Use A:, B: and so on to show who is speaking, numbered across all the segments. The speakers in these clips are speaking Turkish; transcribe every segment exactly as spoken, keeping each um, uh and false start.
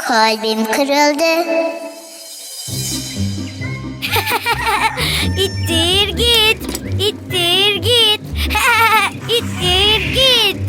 A: Kalbim kırıldı.
B: İttir git, ittir git, ittir git.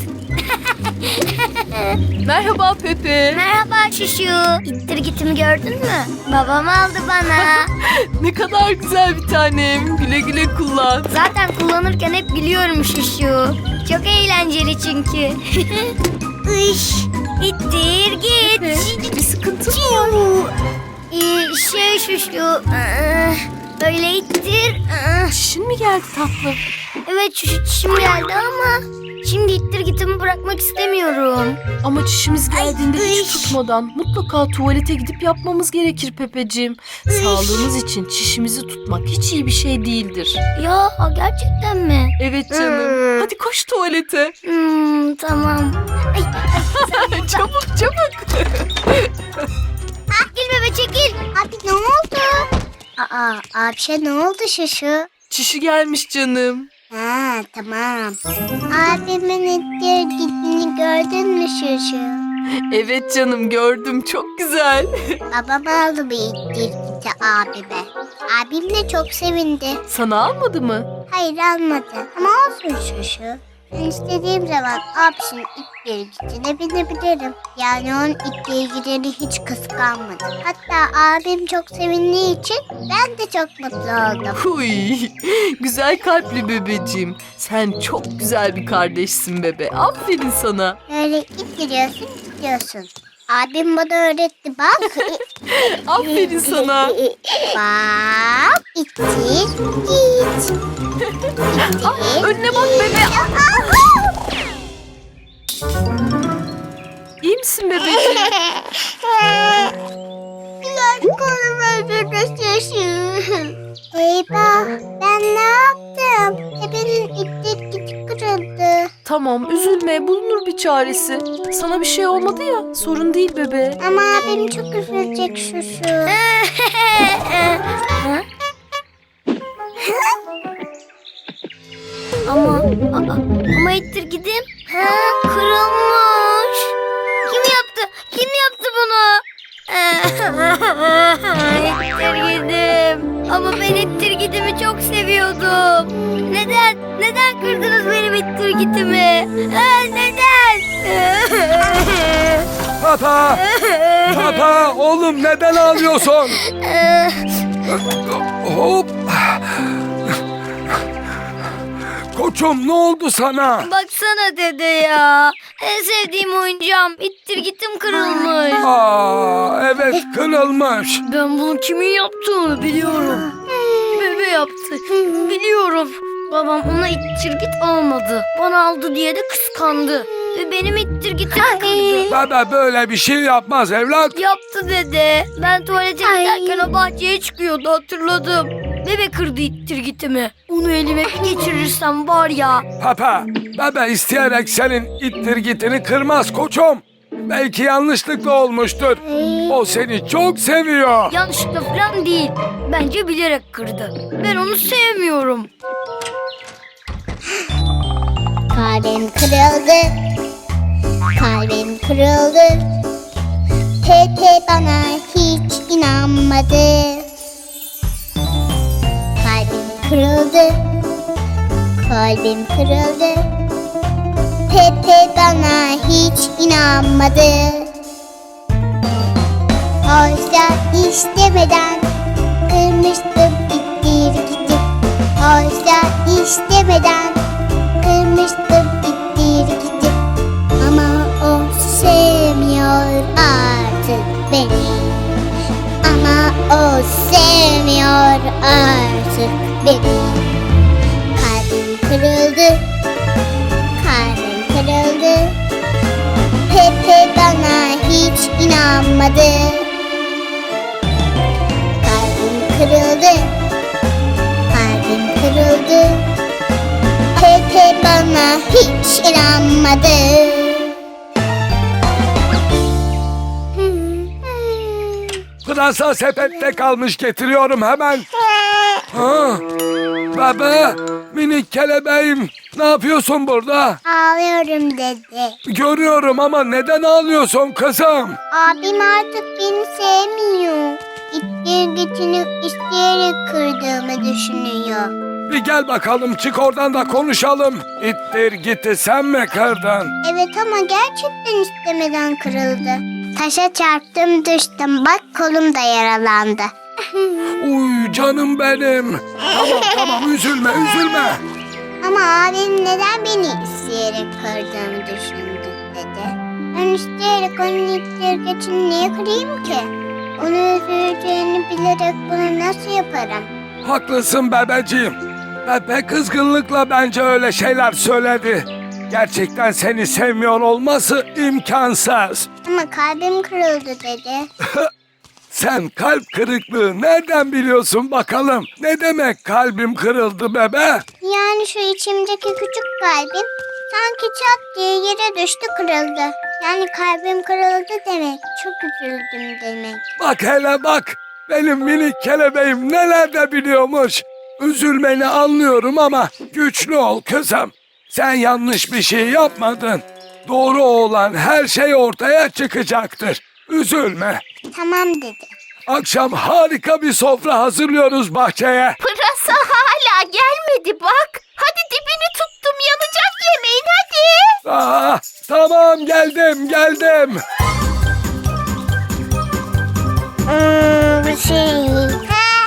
C: Merhaba Pepe.
B: Merhaba Şuşu. İttir gitimi gördün mü? Babam aldı bana.
C: Ne kadar güzel bir tanem. Güle güle kullan.
B: Zaten kullanırken hep gülüyorum Şuşu. Çok eğlenceli çünkü. Iş, ittir git.
C: Pepe, bir sıkıntı mı var?
B: Ee, şey Şuşu, ıı, böyle ittir. ıı.
C: Çişin mi geldi tatlım?
B: Evet Şuşu, çişim geldi ama şimdi ittir gitimi bırakmak istemiyorum.
C: Ama çişimiz geldiğinde
B: Ay,
C: hiç
B: iş.
C: tutmadan mutlaka tuvalete gidip yapmamız gerekir Pepeciğim. Sağlığımız için çişimizi tutmak hiç iyi bir şey değildir.
B: Ya gerçekten mi?
C: Evet canım.
B: Hmm.
C: Hadi koş tuvalete.
B: Hmm, tamam. Ay,
C: Çabuk çabuk.
B: çekil bebe çekil.
A: Abi ne oldu? Aa, abişe ne oldu Şuşu?
C: Çişi gelmiş canım.
A: Ha, tamam. Abimin ittir gittiğini gördün mü Şuşu?
C: Evet canım gördüm, çok güzel.
A: Babam aldı bir ittir gitti abime. Abim de çok sevindi.
C: Sana almadı mı?
A: Hayır almadı ama olsun Şuşu. Ben istediğim zaman abisinin ittir gittiğine binebilirim. Yani onun ittir gideni hiç kıskanmadım. Hatta abim çok sevindiği için ben de çok mutlu oldum.
C: Huy, güzel kalpli bebeciğim. Sen çok güzel bir kardeşsin bebe. Aferin sana.
A: Böyle ittiriyorsun gidiyorsun. Abim bana öğretti bak.
C: Aferin sana.
A: Bak ittir git.
C: Ah, önüne bak bebe. İyi misin bebeciğim?
A: Güzel kolum öldürmüşsün. Eyvah ben ne yaptım? Bebeğin ittir git kırıldı.
C: Tamam, üzülme. Bulunur bir çaresi. Sana bir şey olmadı ya. Sorun değil bebe.
A: Ama abim çok üzülecek Şuşu.
B: Ama aa, ama ittir gidim. Ha, kırılmış. Kim yaptı? Kim yaptı bunu? İttir gidim. Ama ben ittir gidimi çok seviyordum. Neden? Neden kırdınız benim ittir gidimi? Ha, neden?
D: Papa! Papa! Oğlum neden ağlıyorsun? Hop! Koçum ne oldu sana?
B: Baksana dede ya. En sevdiğim oyuncağım ittir gitim kırılmış.
D: Aa, evet kırılmış.
B: Ben bunu kimin yaptığını biliyorum. Bebe yaptı. Biliyorum. Babam ona ittir git almadı. Bana aldı diye de kıskandı. Ve benim ittir gitim kırdı.
D: Baba böyle bir şey yapmaz evlat.
B: Yaptı dede. Ben tuvalete giderken o bahçeye çıkıyordu hatırladım. Bebe kırdı ittir gitimi. Onu elime bir geçirirsem var ya.
D: Papa, baba isteyerek senin ittir gitini kırmaz koçum. Belki yanlışlıkla olmuştur. O seni çok seviyor.
B: Yanlışlıkla falan değil. Bence bilerek kırdı. Ben onu sevmiyorum.
A: Kalbim kırıldı. Kalbim kırıldı. Pepe bana hiç inanmadı. Kalbim kırıldı. Kalbim kırıldı. Pepe bana hiç inanmadı. Oysa istemeden kırmıştım ittir gidip. Oysa istemeden kırmıştım ittir gidip. Ama o sevmiyor artık beni. Ama o sevmiyor artık beni. Kalbim kırıldı. Kalbim kırıldı. Pepe bana hiç inanmadı. Kalbim kırıldı. Kalbim kırıldı. Pepe bana hiç inanmadı.
D: Pırasa sepette kalmış getiriyorum hemen. Ha, baba Minik kelebeğim, ne yapıyorsun burada?
A: Ağlıyorum dedi.
D: Görüyorum ama neden ağlıyorsun kızım?
A: Abim artık beni sevmiyor. İttirgitini isteyerek kırdığımı düşünüyor.
D: Bir gel bakalım, çık oradan da konuşalım. İttir gitti, sen mi kırdın?
A: Evet ama gerçekten istemeden kırıldı. Taşa çarptım düştüm. Bak kolum da yaralandı.
D: Uy canım benim. Tamam tamam, üzülme üzülme.
A: Ama abim neden beni isteyerek kırdığımı düşündü dedi. Ben isteyerek onun ittirgitini niye kırayım ki? Onu üzüleceğini bilerek bunu nasıl yaparım?
D: Haklısın bebeciğim. Pepe kızgınlıkla bence öyle şeyler söyledi. Gerçekten seni sevmiyor olması imkansız.
A: Ama kalbim kırıldı dedi.
D: Sen kalp kırıklığı nereden biliyorsun bakalım? Ne demek kalbim kırıldı bebe?
A: Yani şu içimdeki küçük kalbim sanki çat diye yere düştü kırıldı. Yani kalbim kırıldı demek. Çok üzüldüm demek.
D: Bak hele bak. Benim minik kelebeğim neler de biliyormuş. Üzülmeni anlıyorum ama güçlü ol kızım. Sen yanlış bir şey yapmadın. Doğru olan her şey ortaya çıkacaktır. Üzülme.
A: Tamam dedi.
D: Akşam harika bir sofra hazırlıyoruz bahçeye.
E: Pırasa hala gelmedi bak. Hadi dibini tuttum yanacak yemeğin hadi.
D: Aa, tamam geldim geldim.
A: Hmm, bu şey... Ha?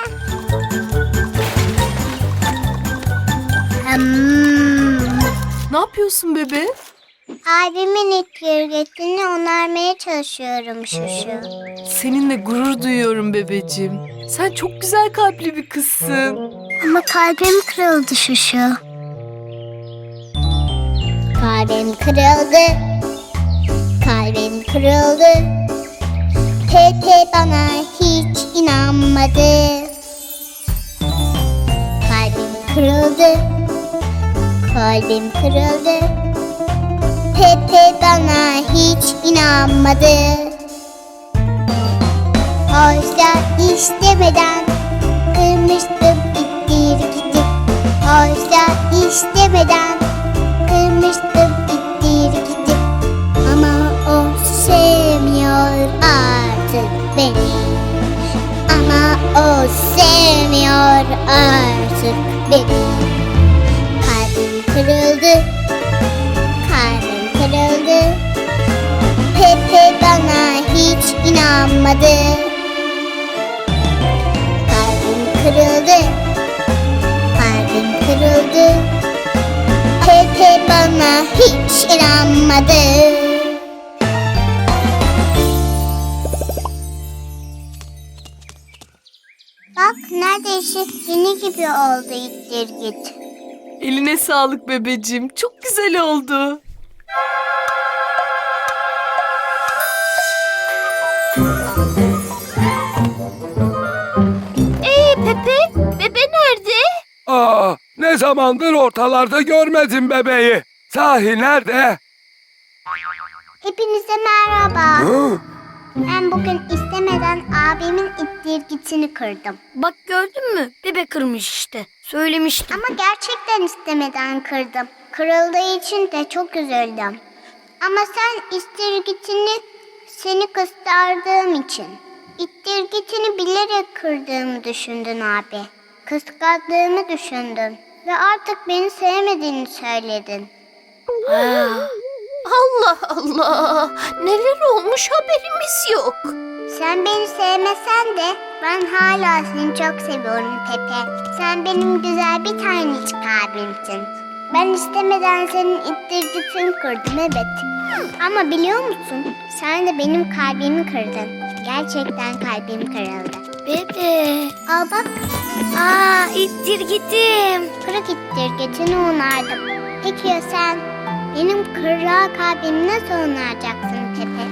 A: Hmm.
C: Ne yapıyorsun bebe?
A: Abimin ittirgetini onarmaya çalışıyorum şuşu.
C: Seninle gurur duyuyorum bebeciğim. Sen çok güzel kalpli bir kızsın.
A: Ama kalbim kırıldı şuşu. Kalbim kırıldı. Kalbim kırıldı. Pepe bana hiç inanmadı. Kalbim kırıldı. Kalbim kırıldı. Pepe bana hiç inanmadı. Oysa istemeden kırmıştım ittir gidip. Oysa istemeden kırmıştım ittir gidip. Ama o sevmiyor artık beni. Ama o sevmiyor artık beni. Kalbim kırıldı. Kalbim kırıldı. Pepe bana hiç inanmadı. Kalbim kırıldı. Kalbim kırıldı. Pepe bana hiç inanmadı. Bak neredeyse yeni gibi oldu ittir git.
C: Eline sağlık bebeciğim. Çok güzel oldu.
E: Ee Pepe, bebe nerede?
D: Aa, ne zamandır ortalarda görmedim bebeği. Sahi nerede?
A: Hepinize merhaba.
D: Hı?
A: Ben bugün istemeden abimin ittirgitini kırdım.
B: Bak gördün mü? Bebe kırmış işte. Söylemiştim.
A: Ama gerçekten istemeden kırdım. Kırıldığı için de çok üzüldüm. Ama sen ittirgitini seni kıskandığım için. İttirgitini bilerek kırdığımı düşündün abi. Kıskandığımı düşündün. Ve artık beni sevmediğini söyledin.
B: Ha,
E: Allah Allah, neler olmuş haberimiz yok.
A: Sen beni sevmesen de ben hala seni çok seviyorum Pepe. Sen benim güzel bir tanecik abimsin. Ben istemeden senin ittirgitini kırdım evet. Ama biliyor musun? Sen de benim kalbimi kırdın. Gerçekten kalbim kırıldı.
B: bebe.
A: Al bak,
B: Aa, ittir gittim.
A: kırık ittirgitini onardım. Peki ya sen? Benim kırık kalbimi nasıl onaracaksın Pepe?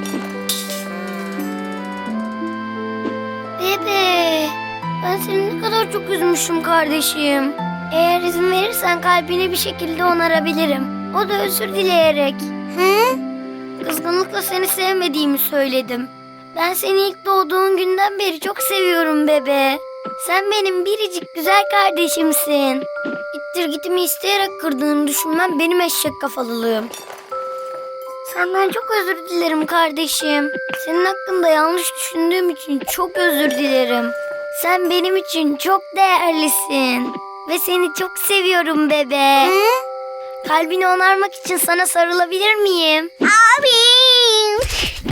B: Bebe. Ben seni ne kadar çok üzmüşüm kardeşim. Eğer izin verirsen kalbini bir şekilde onarabilirim. O da özür dileyerek.
A: Hı?
B: Kızgınlıkla seni sevmediğimi söyledim. Ben seni ilk doğduğun günden beri çok seviyorum bebe. Sen benim biricik güzel kardeşimsin. ittirgitimi isteyerek kırdığını düşünmem benim eşek kafalılığım. Senden çok özür dilerim kardeşim. Senin hakkında yanlış düşündüğüm için çok özür dilerim. Sen benim için çok değerlisin. Ve seni çok seviyorum bebe.
A: Hı?
B: Kalbini onarmak için sana sarılabilir miyim?
A: Abim.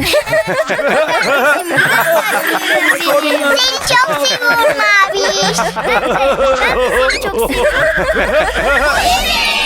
A: Seni çok seviyorum abi.
B: Ben de seni çok seviyorum.